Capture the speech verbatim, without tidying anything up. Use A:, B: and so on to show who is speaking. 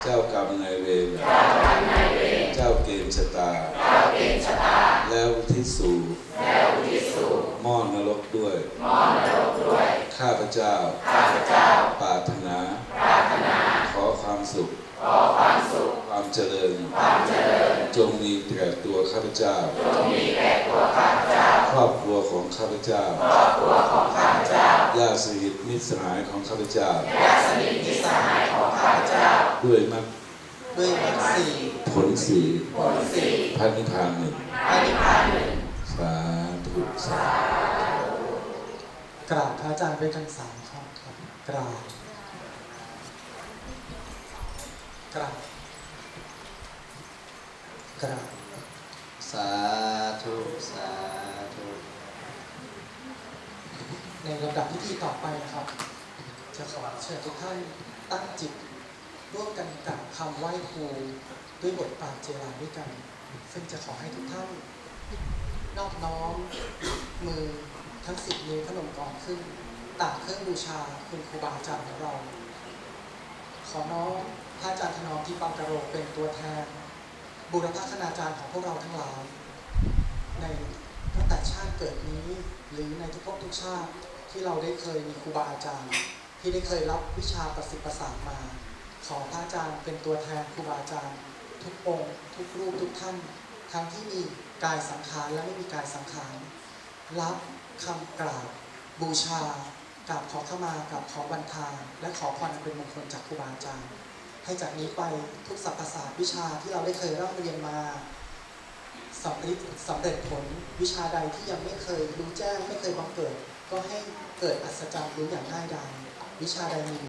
A: เจ้ากรรมนายเวรเจ้าเกณฑ์ชะตาแล้วอุทิศสู่หม้อนรกด้วยข้าพเจ้าปรารถนาขอความสุขความเจริญจงมีแก่ตัวข้าพเจ้าครอบครัวของข้าพเจ้าญาติสนิทมิตรสหายของข้าพเจ้าด้วยมรรค
B: ด้วยมรรคสี่
A: ผลสี่
B: ผลสี่
A: พระนิพพานหนึ่ง
B: พระนิพพานหนึ่ง
A: สาธุสาธุ
B: กราบพระอาจารย์ด้วยกันสามข้อครับกราบกราบกราบ
C: สาธุสาธุ
B: ในลำดับพิธีต่อไปนะครับจะขอเชิญทุกท่านตั้งจิตร่วมกันกับคำไหว้ครูด้วยบทปราบเจราด้วยกันซึ่งจะขอให้ทุกท่านนอบน้อมมือทั้งสิบนิ้วพนมกรขึ้นต่างเครื่องบูชาคุณครูบาอาจารย์ของเราขอน้อมพระอาจารย์ถนอมที่ปังกะโรเป็นตัวแทนบูรพคณาจารย์ของพวกเราทั้งหลายในตั้งแต่ชาติเกิดนี้หรือในทุกภพทุกชาติที่เราได้เคยมีครูบาอาจารย์ที่ได้เคยรับวิชาประสิทธิ์ประสานมาขอพระอาจารย์เป็นตัวแทนครูบาอาจารย์ทุกองค์ทุกรูปทุกท่านทั้งที่มีกายสังขารและไม่มีกายสังขารรับคำกราบบูชากราบขอเข้ามากับขอบันทาและขอพรอันเป็นมงคลจากครูบาอาจารย์ให้จากนี้ไปทุกสรรพศาสตร์วิชาที่เราได้เคยร่ำเรียนมาสำเร็จสำเร็จผลวิชาใดที่ยังไม่เคยรู้แจ้งไม่เคยบังเกิดก็ให้เกิดอัศจรรย์รู้อย่างง่ายดายวิชาใดมี